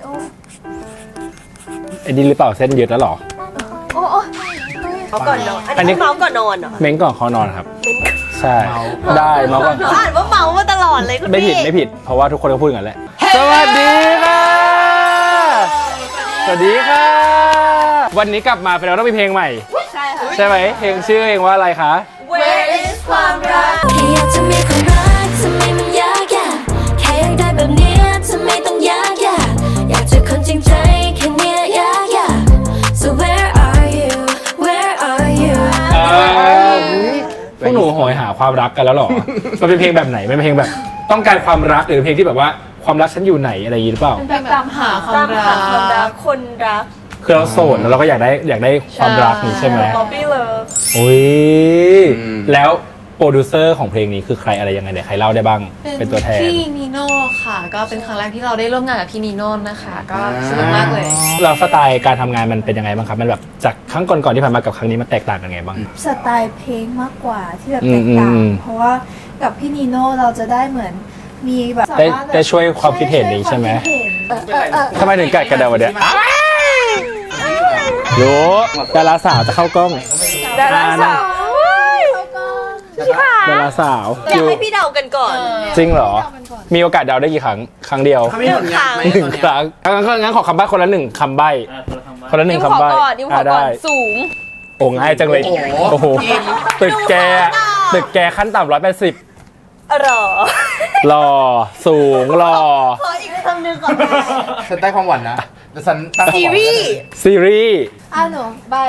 ไอ้นี่หรือเปล่าเส้นยืดแล้วหรอเขาก่อนนอนอันนี้เมาก่อนนอนเหรอเม้งก่อนเขานอนครับใช่ได้เมาก่อนอ่านว่าเมามาตลอดเลยคุณพี่ไม่ผิดเพราะว่าทุกคนก็พูดกันแหละสวัสดีค่ะสวัสดีค่ะวันนี้กลับมาเป็นเราต้องมีเพลงใหม่ใช่ค่ะใช่ไหมเพลงชื่อเพลงว่าอะไรคะ Where is ความรักแค่อยากจะมีความรักทำไมมันยากแค่อยากได้แบบเนี้ยทำไมต้องยากอยากเจอคนจริงใจแค่เนี้ยยาก So where are you where are you พวกหนูโหยหาความรักกันแล้วหรอมันเป็นเพลงแบบไหนเป็นเพลงแบบต้องการความรักหรือเพลงที่แบบว่าความรักฉันอยู่ไหนอะไรอย่างนี้หรือเปล่าแบบตามหาความรักคนรักคือเราโสดแล้วเราก็อยากได้ความรักนี่ใช่ไหม Bobby Love โอ้ยแล้วโปรดิวเซอร์ของเพลงนี้คือใครอะไรยังไงเนี่ยใครเล่าได้บ้างเป็นตัวแทนพี่นีโน่ค่ะก็เป็นครั้งแรกที่เราได้ร่วมงานกับพี่นีโน่นะคะก็สนุกมากเลยเราสไตล์การทำงานมันเป็นยังไงบ้างครับมันแบบจากครั้งก่อนๆที่ผ่านมากับครั้งนี้มันแตกต่างกันไงบ้างสไตล์เพลงมากกว่าที่แบบแตกต่างเพราะว่ากับพี่นีโน่เราจะได้เหมือนมีแบบได้ช่วยความคิดเห็นนี้ใช่ไหมทำไมถึงกัดกระเดาเนี่ยรู้ดาราสาวจะเข้ากล้องดาราสาวดาราสาวอยากให้พี่เดากันก่อนจริงเหรอมีโอกาสเดาได้กี่ครั้งเดียว 1 ครั้ง 1 ครั้งงั้นขอคำใบ้คนละ1 คำใบ้คนละ1 คำใบ้ได้สูงโอ้ง่ายจังเลยโอ้โหตึกแกขั้นต่ำ180หล่อสูงหล่อขออีกคำหนึ่งก่อนฉันได้ความหวานนะแต่ฉันตั้งซีรีส์หนูใบ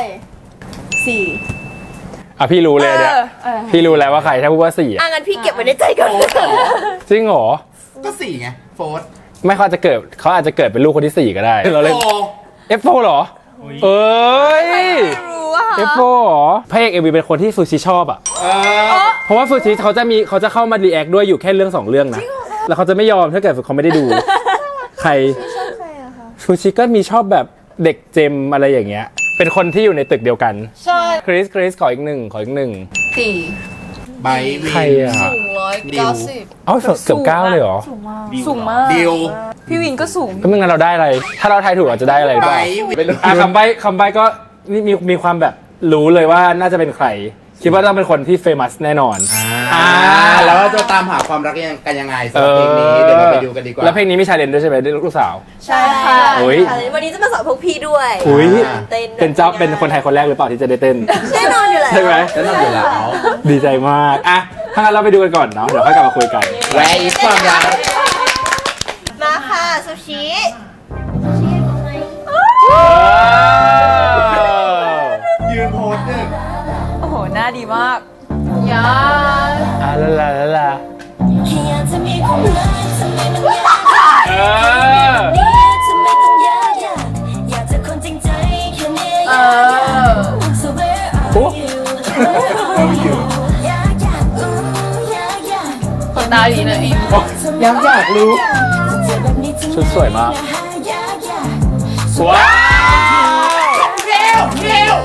4 พี่รู้เลยเนี่ยพี่รู้แล้วว่าใครถ้าพูดว่า4 งั้นพี่เก็บไว้ในใจก่อนจริงเหรอก็4ไงโฟร์ไม่เขาอาจจะเกิดเป็นลูกคนที่4ก็ได้เราเล่น F4 เหรอเอ้ย F4 เหรอพระเอก MV เป็นคนที่ซูชิชอบอ่ะเพราะว่าซูชิเขาจะเข้ามารีแอคด้วยอยู่แค่เรื่อง2 เรื่องนะแล้วเขาจะไม่ยอมถ้าเกิดเขาไม่ได้ดูใครซูชิก็มีชอบแบบเด็กเจมอะไรอย่างเงี้ยเป็นคนที่อยู่ในตึกเดียวกันใช่คริสขออีกหนึ่งใบใครอ่ะสูง190 เกือบ9เลยเหรอสูงมากดิวพี่วินก็สูงก็ไม่งั้นเราได้อะไรถ้าเราทายถูกอาจจะได้อะไรบ้างคำใบ้ก็มีความแบบรู้เลยว่าน่าจะเป็นใครคิดว่าต้องเป็นคนที่เฟมัสแน่นอนแล้วจะตามหาความรักกันยังไงสำหรับเพลงนี้เดี๋ยวเราไปดูกันดีกว่าแล้วเพลงนี้มีชาเลนจ์ด้วยใช่ไหมลูกสาวใช่ค่ะวันนี้จะมาสอนพวกพี่ด้วยเป็นคนไทยคนแรกหรือเปล่าที่จะได้เต้นแน่นอนอยู่แล้วใช่ไหมแน่นอนอยู่แล้วดีใจมากถ้างั้นเราไปดูกันก่อนเนาะเดี๋ยวค่อยกลับมาคุยกัน Where is ความรักมาค่ะซูชิยืนโพสหนึ่งโอ้โหหน้าดีมากยาลาแค่อยากจะมีความรักทำไมมันยากทำไมต้องยากอยากเจอคนจริงใจแค่เนี้ยSo where are you คนตาดีนะอยากรู้ชุดสวยมากว้าวเร็ว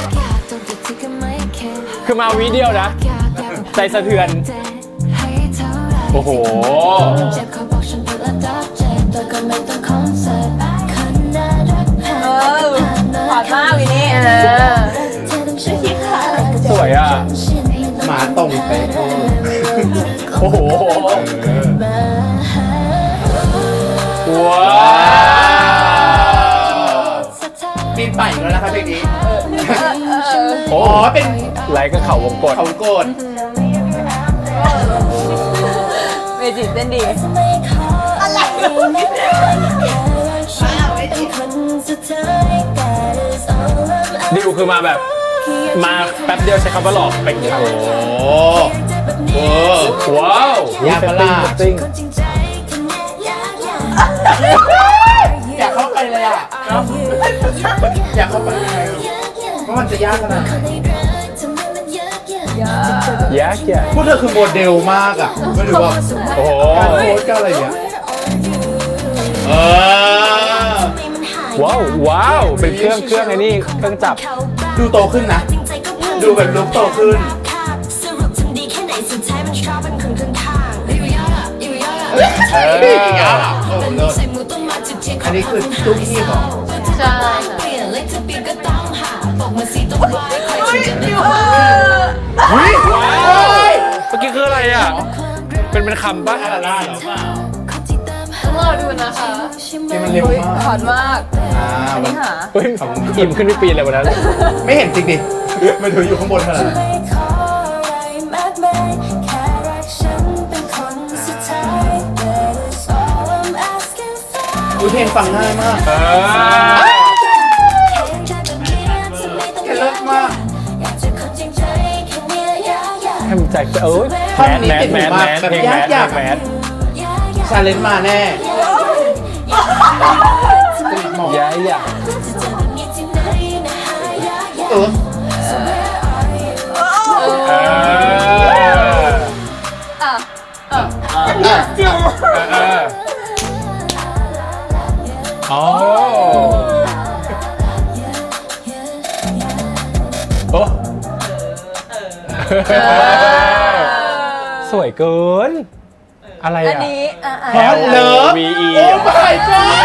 คือมาวิเดียวนะใจสะเทือนโอ้โหหวานมากวินี่สวยอ่ะหมาตรงไปโอ้โหว้าวปีนป่ายแล้วนะครับเพลงนี้เป็นไลค์ก็เขาวงกดเมจิเต้นดีดิวคือมาแบบมาแป๊บเดียวใช้คำว่าหลอกไปโอ้ว้าวยากมากอยากเข้าไปเลยอ่ะอยากเข้าไปเพราะมันจะยากขนาดยากพวกเธอคือโมเดลมากอ่ะไม่รู้ว่าโอ้โหการโพสก็อะไรเนี้ยว้าวเป็นเครื่องไอ้นี่เครื่องจับดูโตขึ้นนะดูแบบลุกโตขึ้นใครอันนี้คือตู้คีบเหรอใช่ค่ะเปลี่ยนเลขทะเบียนก็ต้องหาบอกมาสิต้องไว้ใครจะได้ว้าวเมื่อกี้คืออะไรอ่ะ เป็นคำป่ะอะไรล่ะเหรอต้องรอดูนะคะที่มันเร็วมากขอนมากอันนี้หาเฮ้ยอิ่มขึ้นไปปีนเลยวันนั้นไม่เห็นจริงดิมันถืออยู่ข้างบนขนาดนั้นไม่ขออะไรมากมายแค่รักฉันเป็นคนสุดท้าย That is all I'm asking for ดูเพลงฟังง่ายมากเออแค่เลิศมากอยากจะคนจริงใจแค่เนี้ยอยากให้มันใจเอ้ยท่อนนี้แมสติดหูแมสมากแมสแบบเพลงแมสยากๆแมสชาเลนจ์มาแน่หมอย้ายอยากเออเอออ่ะเอออ๋อโอ้สวยเกิน อะไรอ่ะอันนี้ L ฮอตเลิฟ V E โอ้ my god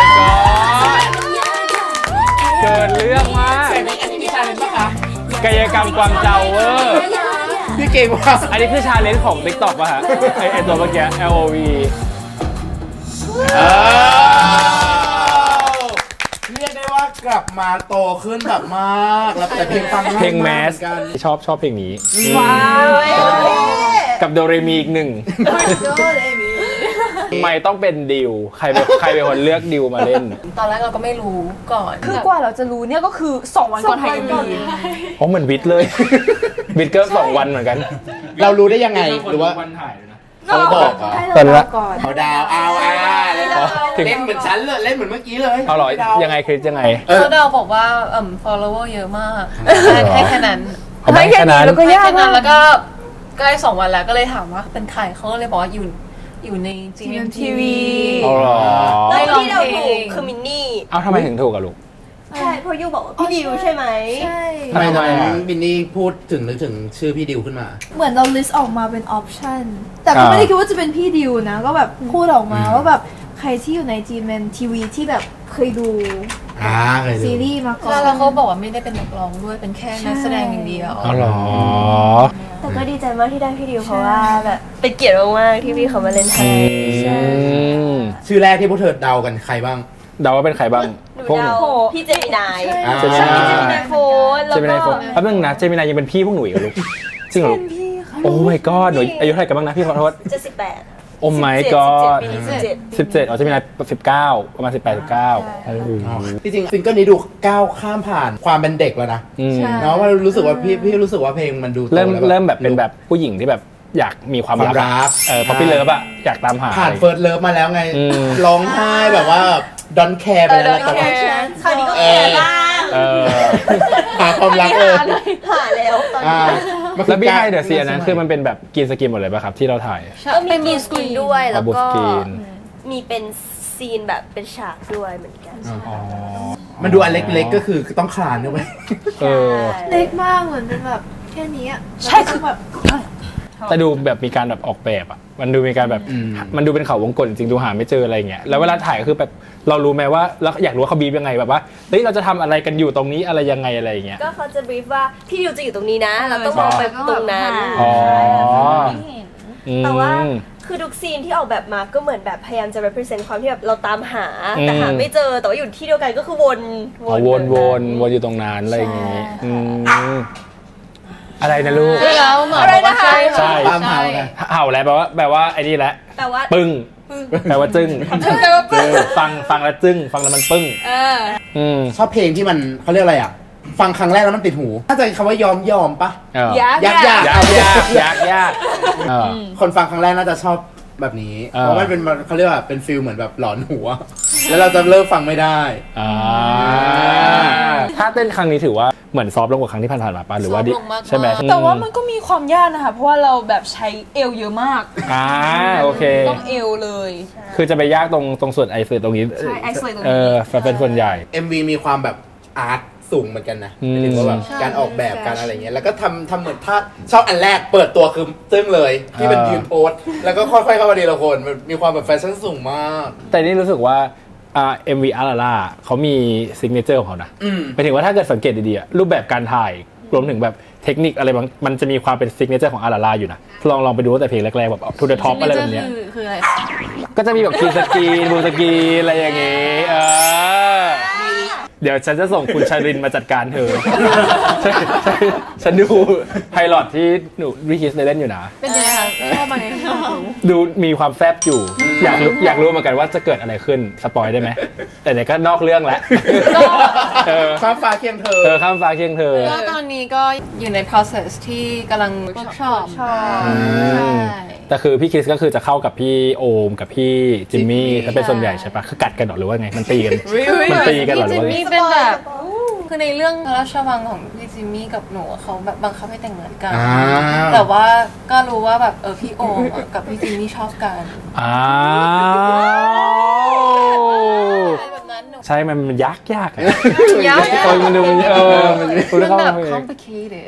เกินเรื่องมากอันนี้มีชาเลนจ์ปะคะกายกรรมกวางเจาเวอร์พี่เก่งว่ะอันนี้คือชาเลนจ์ของ TikTok ป่ะฮะ ไอตัวเมื่อกี้ L O V เรียกได้ว่ากลับมาโตขึ้นแบบมากแล้วแต่เพลงฟังง่ายเพลงแมสเหอนกันชอบเพลงนี้ว้าวกับโดเรมีอีกหนึ่งทำไมต้องเป็นดิว ใครเป็นคนเลือกดิวมาเล่นตอนแรกเราก็ไม่รู้ก่อนคือกว่าเราจะรู้เนี่ยก็คือ 2 วันก่อนถ่าย MV อ๋อเหมือนวิทย์เลย วิทย์ก็2 วันเหมือนกันเรารู้ได้ยังไงหรือว่าวันถ่ายเลยนะเขาบอกเหรอให้ตอนเราละก่อนเขาดาวเอาเล่นอ๋อถึงเหมือนฉันเลยเล่นเหมือนเมื่อกี้เลยเอาเหรอยังไงคริสยังไงเขาเดาบอกว่าfollower เยอะมาก ให้แค่นั้นเอาไปแค่นั้นแล้วก็ยากแค่นั้มาน กแล้วก็ใกล้2 วันแล้วก็เลยถามว่าเป็นใครเขาก็เลยบอกว่าอยู่ใน GMTV เอาเหรอแล้วที่เราถูกคือมินนี่เอาทำไมถึงถูกอะลูกใช่เพราะยูบอกว่าพี่ดิวใช่ไหมใช่ทำไมทำไมอ่ะบินนี่พูดถึงนึกถึงชื่อพี่ดิวขึ้นมาเหมือนเรา list ออกมาเป็นออปชั่นแต่ก็ไม่ได้คิดว่าจะเป็นพี่ดิวนะ ก็แบบพูดออกมาว่าแบบใครที่อยู่ใน GMTV ที่แบบเคยดูเคยดูซีรีส์มาก่อนแล้วเขาบอกว่าไม่ได้เป็นนักร้องด้วยเป็นแค่นักแสดงอย่างเดียวเอาเหรอแต่ก็ดีใจมากที่ได้พี่ดิวเพราะว่าแบบเป็นเกียรติมากๆที่พี่เขามาเล่นไทยใช่ชื่อแรกที่พวกเธอเดากันใครบ้างเดาว่าเป็นใครบ้างหนูพวกเดาพี่เจมินายอ่าเจมิใช่นายเจมินายโฟนแล้วเจมินายโฟก็นแป๊บนึงนะ เจมินายยังเป็นพี่พวกหนูอีกเหรอลูก จริงเหรอลูกโอ้ my god หนูอายุเท่าไหร่กันบ้างนะพี่ขอโทษจะ18 โอ้ my god ปีนี้17 17อ๋อเจมินาย19 ประมาณ 18 19 จริงๆซิงเกิลนี้ดูก้าวข้ามผ่านความเป็นเด็กแล้วนะอืมเนาะว่ารู้สึกว่าพี่รู้สึกว่าเพลงมันดูโตเริ่มแล้วเริ่มแบบเป็นแบบผู้หญิงที่แบบอยากมีความความรัรักพอพี่เลิฟอะอยากตามหาผ่านเฟิร์สเลิฟมาแล้วไงอืมร้องไห้แบบว่าดอนแคร์ไปแล้วแต่ว่าคราวนี้ก็แก่บ้างเออหาความรักเลยหาแล้วตอนอ่านี้มันคืแล้วอพี่การไฮเดอะซีอันนั้นคือมันเป็นแบบกรีนสกรีนหมดเลยป่ะครับที่เราถ่ายก็มีกรีนสกรีนด้วยแล้วบูก็สกรีนมีเป็นซีนแบบเป็นฉากด้วยเหมือนกันอ๋อมันดูอันเล็กๆก็คือต้องคลานด้วยเออเล็กมากเหมือนเป็นแบบแค่นี้ใช่คือแบบแต่ดูแบบมีการแบบออกแบบอ่ะ มันดูมีการแบบ มันดูเป็นเขาวงกลจริงๆดูหาไม่เจออะไรเงี้ย แล้วเวลาถ่ายก็คือแบบเรารู้ไหมว่าแล้วอยากรู้ว่าเขาบีบยังไงแบบว่า เฮ้ยเราจะทำอะไรกันอยู่ตรงนี้อะไรยังไงอะไรอย่างเงี้ยก็เขาจะบรีฟว่าพี่ดิวจะอยู่ตรงนี้นะ เราต้องมองไปตรงนั้นอ๋อแต่ว่าอืมคือทุกซีนที่ออกแบบมาก็เหมือนแบบพยายามจะ represent ความที่แบบเราตามหาอืมแต่หาไม่เจอแต่ว่าอยู่ที่เดียวกันก็คือวนอ๋อวนอยู่ตรงนั้นอะไรอย่างงี้อืมอะไรนะลูกใช่แล้วหมอบอกว่าใช่ใช่ตามหาไงเห่าแล้วแปลว่าไอ้นี่แหละแต่ว่าปึ้งแปลว่าจึ้งฟังแล้วจึ้งฟังแล้วมันปึ้งอืมชอบเพลงที่มันเขาเรียกอะไรอ่ะ ฟังครั้งแรกแล้วมันติดหูน่าจะคำว่ายอมปะเออยากยากยากเออคนฟังครั้งแรกน่าจะชอบแบบนี้อ่าเพราะมันเป็นเขาเรียกว่าเป็นฟิลเหมือนแบบหลอนหัว แล้วเราจะเลิกฟังไม่ได้อ่าถ้าเต้นครั้งนี้ถือว่าเหมือนซอฟต์ลงกว่าครั้งที่ผ่านๆมาป่ะหรือว่าดิซอฟต์ลงมากๆใช่ไหมแต่ว่ามันก็มีความยากนะคะ เพราะว่าเราแบบใช้เอวเยอะมากโอเคต้องเอวเลยคือจะไปยากตรงส่วนไอเฟรตรงนี้ใช่ isolate ตรงนี้เป็นส่วนใหญ่ MV มีความแบบอาร์ตสูงเหมือนกันนะอืมหมายถึงว่าแบบการออกแบบการอะไรเงี้ยแล้วก็ทำเหมือนถ้าชอบอันแรกเปิดตัวคือตึ้งเลยที่เป็นยืนโพสแล้วก็ค่อยๆเข้ามาดีละคนมันมีความแบบแฟชั่นสูงมากแต่นี่รู้สึกว่า MV อาราล่าเขามีซิกเนเจอร์ของเขานะอืมหมายถึงว่าถ้าเกิดสังเกตดีๆอะรูปแบบการถ่ายรวมถึงแบบเทคนิคอะไรบางมันจะมีความเป็นซิกเนเจอร์ของอาราล่าอยู่นะลองไปดูตั้งแต่เพลงแรกๆแบบทูเดอะท็อปอะไรแบบเนี้ยคืออะไรก็จะมีแบบคีสกรีนบูสกรีนอะไรอย่างงี้เดี๋ยวฉันจะส่งคุณชารินมาจัดการเธอ ฉันดูไพลอตที่หนูวิคิสได้เล่นอยู่นะเป็นยังไงคะชอบไหมดูมีความแซบอยู่ อยากรู้เหมือนกันว่าจะเกิดอะไรขึ้นสปอยได้ไหมแต่เนี่ยก็นอกเรื่องแล้วเออฟ้าฟ้าเคียงเธอข้ามฟ้าเคียงเธอก็ตอนนี้ก็อยู่ใน process ที่กำลัง workshop ใช่แต่คือพี่คริสก็คือจะเข้ากับพี่โอมกับพี่จิมมี่ถ้าเป็นส่วนใหญ่ใช่ปะคือกัดกันหรอว่าไงมันตีกันมันตีกันหรอหรือว่าไงพี่จิมมี่เป็นแบบคือในเรื่องพระราชวังของพี่จิมมี่กับหนูเขาแบบบังคับให้แต่งเหมือนกันอ่าแต่ว่าก็รู้ว่าแบบพี่โอมกับพี่จิมมี่ชอบกันอ้าวอะไรแบบนั้นหนูใช่มันยากอะยากมันดูมันมันมันแบบเออ complicated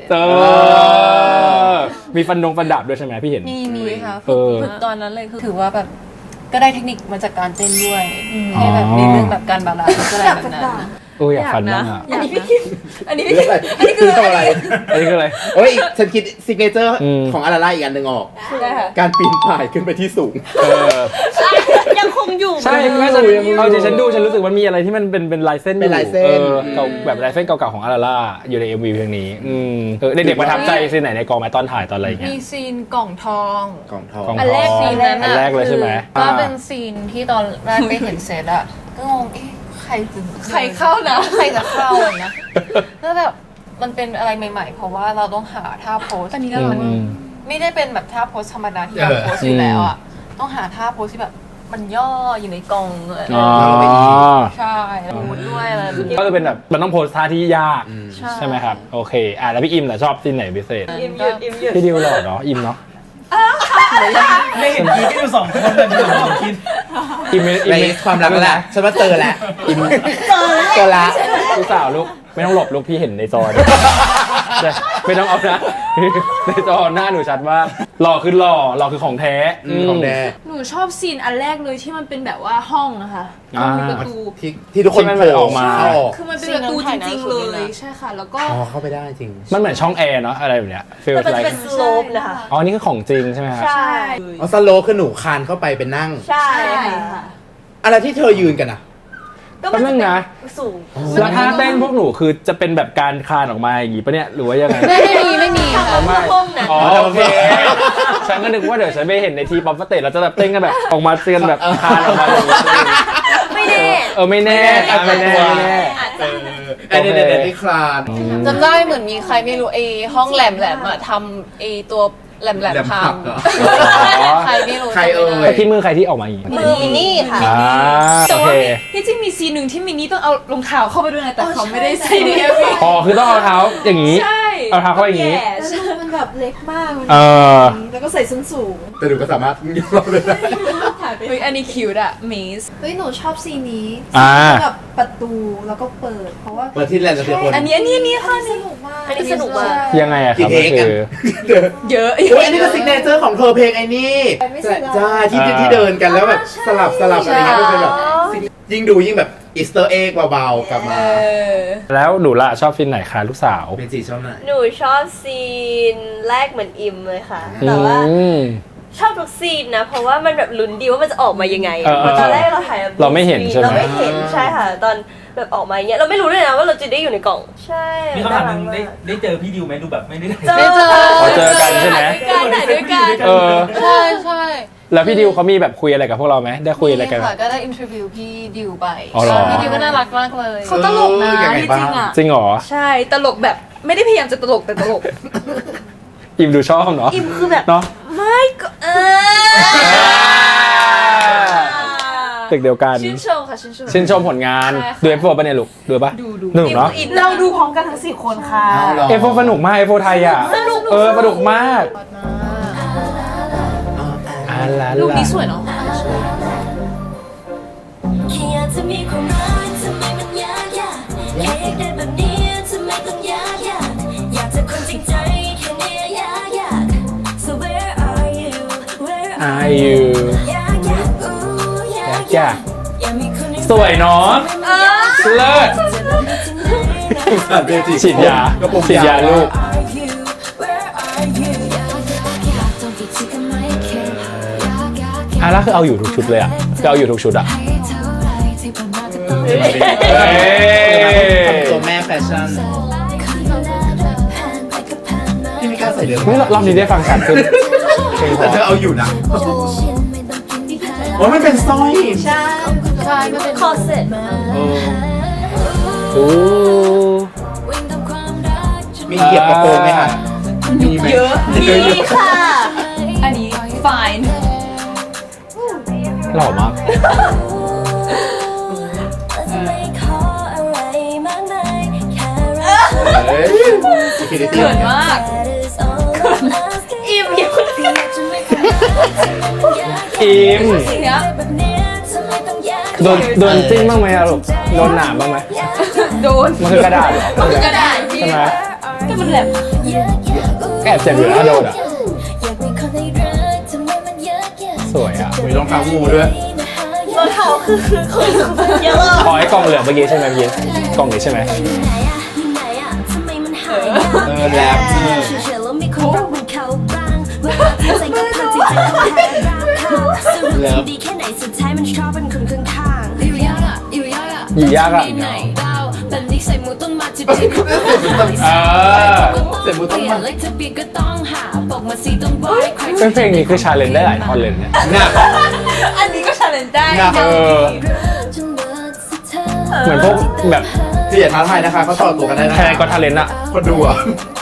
มีฟันดับด้วยใช่ไหมพี่เห็นมีค่ะเออฝึกตอนนั้นเลยคือถือว่าแบบก็ได้เทคนิคมาจากการเต้นด้วยให้แบบในเรื่องแบบการบาลานซ์อะไรแบบนั้นโอ้ยอยากฟันบ้างอ่ะอันนี้พี่คิดอันนี้พี่เรื่องคิดอะไรคือทำอะไรอันนี้คืออะไรโอ้ยฉันคิดซิกเนเจอร์อืมของอาราล่าอีกอันหนึ่งออกได้ค่ะการปีนป่ายขึ้นไปที่สูงเออยังคงอยู่ใช่แม่ฉันเอาจริงฉันดูฉันรู้สึกว่ามีอะไรที่มันเป็นลายเส้นอยู่เป็นลายเส้นเก่าแบบลายเส้นเก่าๆของอาราล่าอยู่ใน MV เพลงนี้เด็กๆประทับใจซีนไหนในกองไหมตอนถ่ายตอนอะไรอย่างเงี้ยมีซีนกล่องทองกล่องทองกล่องอันแรกซีนนั้นอันแรกเลยใช่ไหมก็เป็นซีนที่ตอนแรกไปเห็นเซตอะก็งงใครเข้านะใครจะเข้าอะนะแล้วแบบมันเป็นอะไรใหม่ๆ เพราะว่าเราต้องหาท่าโพสอันนี้ก็มันไม่ได้เป็นแบบท่าโพสธรรมดาที่เราโพสอยู่แล้วอะต้องหาท่าโพสที่แบบมันย่ออยู่ในกล่องเลยอ๋อใช่แล้วมูดด้วยอะไรแบบนี้ก็จะเป็นแบบมันต้องโพสท่าที่ยากใช่ใช่ไหมครับโอเคแล้วพี่อิมล่ะชอบซีนไหนพิเศษอิมหยุดอิมหยุดพี่ดิวหล่อเนาะอิมเนาะไม่เห็นคิดกันอยู่2 คนแต่ดูสองคิดอิมในความรักแล้วแหละฉันว่าเจอแล้วอิมเจอแล้วลูกสาวลูกไม่ต้องหลบลูกพี่เห็นในจอดิใช่ไม่ต้องเอานะ ในจอหน้าหนูชัดว่าหล่อคือหล่อคือของแท้ของแดหนูชอบซีนอันแรกเลยที่มันเป็นแบบว่าห้องนะคะห้องมีประตูที่ทุกคนที่มันโผล่ออกมาเข้าออกคือมันเป็นประตูจริงๆเลยใช่ค่ะ แล้วก็อ๋อเข้าไปได้จริงมันเหมือนช่องแอร์เนาะอะไรแบบเนี้ยฟีลแต่มันไลจะเป็นสโลปนะคะอ๋อนี่คือของจริงใช่ไหมครับใช่อ๋อสโลคือหนูคานเข้าไปเป็นนั่งใช่ใช่ค่ะค่ะอะไรที่เธอยืนกันอ่ะก็มันจะแป๊บนึงนะเป็นสูงแล้วท่าเต้นพวกหนูคือจะเป็นแบบการคลานออกมาอย่างงี้ปะเนี่ยหรือว่ายังไงไม่มีค่ะอ๋อไม่ห้องนะอ๋อโอเคฉันก็นึกว่าเดี๋ยวฉันไปเห็นในทีป๊อปสเตจเราจะแบบเต้นกันแบบออกมาเตือนแบบคลานออกมาอย่างงี้ไม่แน่ไม่แน่ไม่แน่ไอ้เนี่ยที่คลานจำได้เหมือนมีใครไม่รู้ห้องแหลมอะทำตัวแหลมแหลมพัผังกเหรอใครไม่รู้ใครเอ่ยแต่ที่มือใครที่ออกมาอย่างงี้มือมินี่ค่ะแต่โอว่าเคที่จริงมีซีนหนึ่งที่มินนี่ต้องเอารองเท้าเข้าไปด้วยนะแต่เขาไม่ได้ใส่ในอ๋อคือต้องเอาเท้าอย่างนี้ใช่เอาเท้าเข้าไปอย่างนี้แย่แล้วดูมันแบบเล็กมากมันเออแล้วก็ใส่ส้นสูงแต่หนูก็สามารถยืนรอเลยได้เฮ้ยอันนี้คิวอะเมสเฮ้ยหนูชอบซีนนี้อ่าแบบประตูแล้วก็เปิด เพราะว่าเปิดที่แลนด์เดียวคนอันนี้ค่ะสนุกมากอันนี้สนุกมากยังไงอะคกี่รับเทก็คกันคือเยอะโอ้ยอันนี้ก็ซิกเนเจอร์ของเธอเพลงไอ้นี่ใช่ที่เดินกันแล้วแบบสลับอะไรเงี้ยมันเป็นแบบยิ่งดูยิ่งแบบอีสเตอร์เอ็กเบาๆกลับมาแล้วหนูล่ะชอบซีนไหนคะลูกสาวเมจิชอบไหนหนูชอบซีนแรกเหมือนอิมเลยค่ะ แต่ว่าอืมชอบทุกซีนนะ เพราะว่ามันแบบลุ้นดีว่ามันจะออกมายังไงเออเพราะตอนแรกเราถ่ายแบบเราไม่เห็นใช่ไหมเราไม่เห็นใช่ค่ะ ตอนแบบออกมาอย่างเงี้ยเราไม่รู้เลยนะว่าเราจะได้อยู่ในกล่อง ใช่มีคำถามหนึงน่รักได้เจอพี่ดิวไหมดูแบบไม่ได้เจอพอเจอกันใช่ไหมถ่ายด้วยกันเออใช่ใช่แล้วพี่ดิวเขามีแบบคุยอะไรกับพวกเราไหมได้คุยอะไรกันไหมค่ะก็ได้อินเทอร์วิวพี่ดิวไปอ๋อเหรอพี่ดิวก็น่ารักมากเลยเขาตลกนะยังไงที่บ้าจริงงอะจริงเหรอใช่ตลกแบบไม่ได้พยายามจะตลกแต่ตลกอิมดูชอบเนาะอิมคือแบบเนาะไม่ก็เด็กเดียวกันชื่นชมค่ะชื่นชมชื่นชมผลงานใช่ค่ะดู F4 ป่ะเนี่ยลูกดูป่ะดูหนุกเนาะเราดูพร้อมกันทั้ง4 คนค่ะเอาเหรอ F4 สนุกมาก F4 ไทยอ่ะสนุกสนุกมากอ่าลาลูกลานี้สวยเนาะแค่อยากจะมีความรักทำไมมันยากแค่อยากได้แบบนี้ทำไมต้องยากอยากจะคนจริงใจแค่เนี้ยยาก so where are you where Are you อยากอู้อยากอยากอยากมีคนในสวยเนาะเลิศฉีดยาฉีดยาลูกแล้วคือเอาอยู่ทุกชุดเลยอ่ะคือเอาอยู่ทุกชุดอ่ะตัวแม่แฟชั่นที่ไม่กล้าใส่เดิมรอบนี้ได้ฟังชัดขึ้นเพลงเพแต่ราะเธอเอาอยู่นะว่ามันเป็นสร้อยใช่มันเป็นคอเซ็ตโอ้มีเหยียบกระโปรงไหมคะมีไหมเยอะนี่ค่ะอันนี้ fine หล่อมากเฮ้ย security เขินมากอิ่มอยู่อิมเนี้ยโดนจิ้มบ้างไหมอะลูกโดนหนามบ้างไหมโดนมันคือกระดาษเหรอมันคือกระดาษที่ใช่ไหมก็มันแหลมแอบเจ็บอยู่นะโดนอ่ะสวยอ่ะมีรองเท้างูด้วยรองเท้าคือเยอะขอไอ้กล่องเหลืองเมื่อกี้ใช่ไหมพี่กล่องนี้ใช่ไหมแรปดีแค่ไหนสุดท้ายมันชอบเป็นคนข้างๆอยู่ยากอ่ะอยู่ยากอ่ะอยู่ยากอ่ะไหนดาวแบบนี้ใส่หมูต้นมาจิบจิบเสร็จมุดต้องมาเล็กจะปีก็ต้องหาบอกมาสีต้องบอยใครซึ่งเพลงนี้คือชาเลนจ์ได้หลายท่อนเลยเนี่ยหนักอันนี้ก็ challenge ได้หนักเหมือนพวกแบบคืออย่าท้าทายนะคะเขาต่อตัวกันได้นะไทยแลนด์ก็ทาเลนต์อ่ะคนดูอ่ะ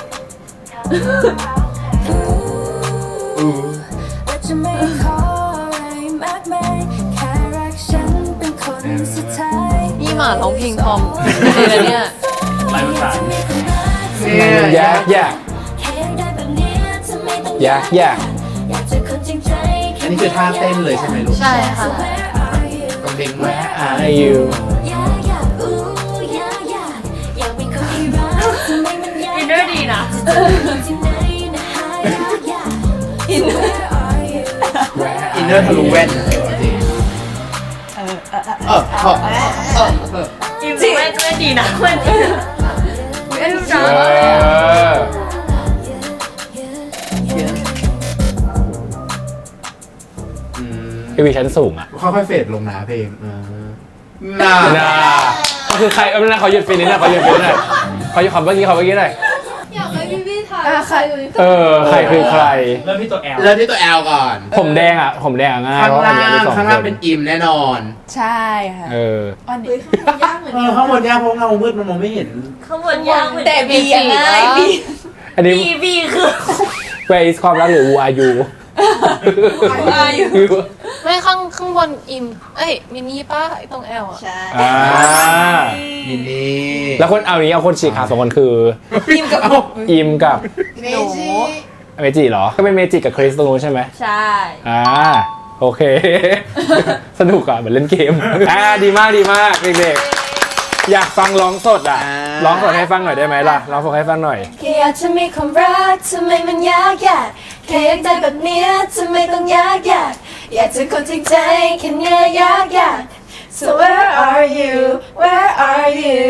และจะไม่ขออะไรมากมายแค่รักฉันเป็นคนสุดท้ายนี่หมาร้องเพลงพร้อมเลยเนี่ยลายภาษามันยากยากแค่อยากได้แบบเนี้ยทำไมต้องยากยากอยากเจอคนจริงใจอันนี้คือท่าเต้นเลยใช่ไหมลูกใช่ค่ะต้องเด้งมา Are you อยากอยากอู้อยากอยากอยากเป็นคนที่รักทำไมมันยากอินเนอร์ดีนะจะเจอคนที่ไหนนะหาอยากอยากอินเนอร์อินเนอร์ทะลุแว่นจริงจริงไม่ดีนะมันไม่รู้จักเอวีชั้นสูงอ่ะค่อยๆเฟดลงนะเพลงน่าน่าก็คือใครไม่น่าเขาหยุดฟินนี่นะเขาหยุดฟินหน่อยเขาหยุดคำเมื่อกี้หน่อยอยากให้พี่ถ่ายใครอยู่นี่ใครคือใครเริ่มที่ตัว L เริ่มที่ตัว L ก่อนผมแดงอ่ะง่ายข้างเพราะอัล่านนี้มีงสองข้างคล่างนเป็นอิมแน่นอนใช่ค่ะ อันนี้ยากเหมือนข้างบนยากเพราะเงามืดมันมองไม่เห็นข้างบนยากเหมือนแต่บียังไงบีอันนี้บีคือ Where is ความรักหรือ Who are you ไม่ข้างบนอิมมินี่ป้าไอ้ตรงแอลอ่ะใช่อ่านี่นี่แล้วคนเอานี้เอาคนฉีกขาดสองคนคืออิมกับอิมกับเมจิเมจิเหรอ ก็เป็นเมจิกับคริสตรงนู้นใช่ไหมใช่โอเค สนุกอ่ะเหมือนเล่นเกม ดีมากเด็กๆอยากฟังร้องสดอ่ะร้องสดให้ฟังหน่อยได้ไหมล่ะร้องสดให้ฟังหน่อยแค่อยากจะมีความรักทำไมมันยากยากแค่อยากได้แบบเนี้ยทำไมต้องยากยากอยากเจอคนจริงใจแค่เนี้ยยากยาก so where are you where are you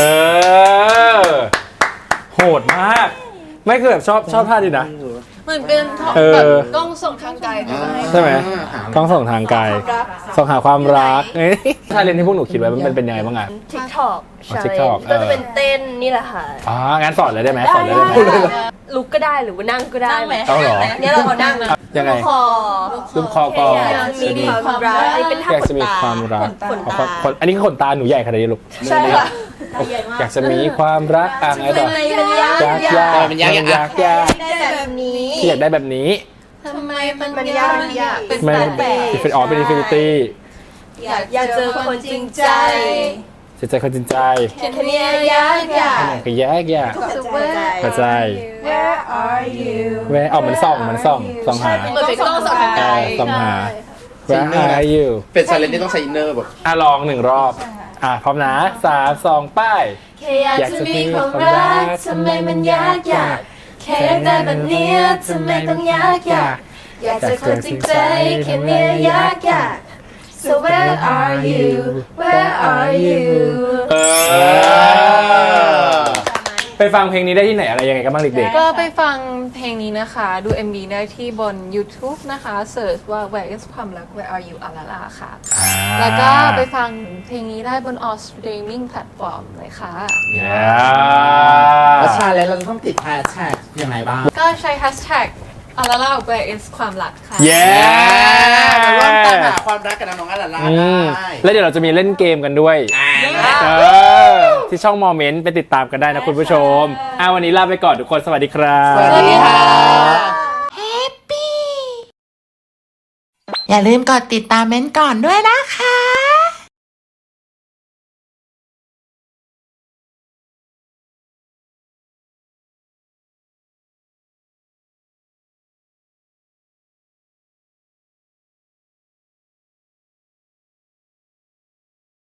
โหดมาก ไม่คือแบบชอบท่าดีนะเหมือนเป็นท่อเออแบบกล้องส่งทางไกลด้วยใช่ไหมต้องส่งทางไกลส่งหาความรักชาเลนจ์ที่พวกหนูคิดไว้มันเป็นยังไงบ้างอ่ะ TikTok อ๋อ TikTok ก็จะเป็นเต้นนี่แหละค่ะงั้นสอนเลยได้ไหมสอนเลยได้ไหมลุกก็ได้หรือว่านั่งก็ได้นั่งไหมเอาเหรอเนี่ยเราเอานั่งนะยังไงคอลูกคอก่อนอยากจะมีความรักอันนี้เป็นท่าอยากขจะนมีตาความรักขนตาอันนี้คือขนตาหนูใหญ่ขนาดนี้ลูกใช่ค่ะอยากจะมีความรักไงต่อทำไมมันยากยากได้แบบนี้ที่อยากได้แบบนี้ทำไมมันมันยายาก กยากเป็นมันแปลกเป็นเป็นอินฟินิตี้อยากเจอคนจริงใจจิตใจคนจริงใจแค่เนี้ยยากยากก็แยก กระจาย Where are you แวะมันส่องหาเหมือนเป็นกล้องส่งทางไกลส่องหา Where are you เป็นชาเลนจ์ที่ต้องใช้อินเนอร์แบบลองหนึ่งรอบ พร้อมนะ3 2ป้ายแค่อยากจะมีความรักทำไมมันยากยากแค่อยากได้แบบเนี้ยทำไมต้องยากยากอยากเจอคนจริงใจแค่เนี้ยยากยาก so so where are you where are you ไปฟังเพลงนี้ได้ที่ไหนอะไรยังไงกันบ้างเด็กก็ไปฟังเพลงนี้นะคะ ดู MV ได้ที่บน YouTube นะคะเสิร์ชว่า Where is ความรัก Where are you อาลาลาค่ะๆแล้วก็ไปฟังเพลงนี้ได้บน all streaming platform เลยค่ะแล้วชาเลนจ์เราจะต้องติดแฮชแท็กยังไงบ้างก็ใช้ hashtag อาลาลา Where is ความรักค่ะเย้มาร่วมตามหาความรักกับน้องๆอาลาล่าอืมได้แล้วเดี๋ยวเราจะมีเล่นเกมกันด้วยที่ช่องโมเมนต์ไปติดตามกันได้นะคุณผู้ชมวันนี้ลาไปก่อนทุกคนสวัสดีครับสวัสดีค่ะอย่าลืมกดติดตามเม้นท์ก่อนด้วยนะคะ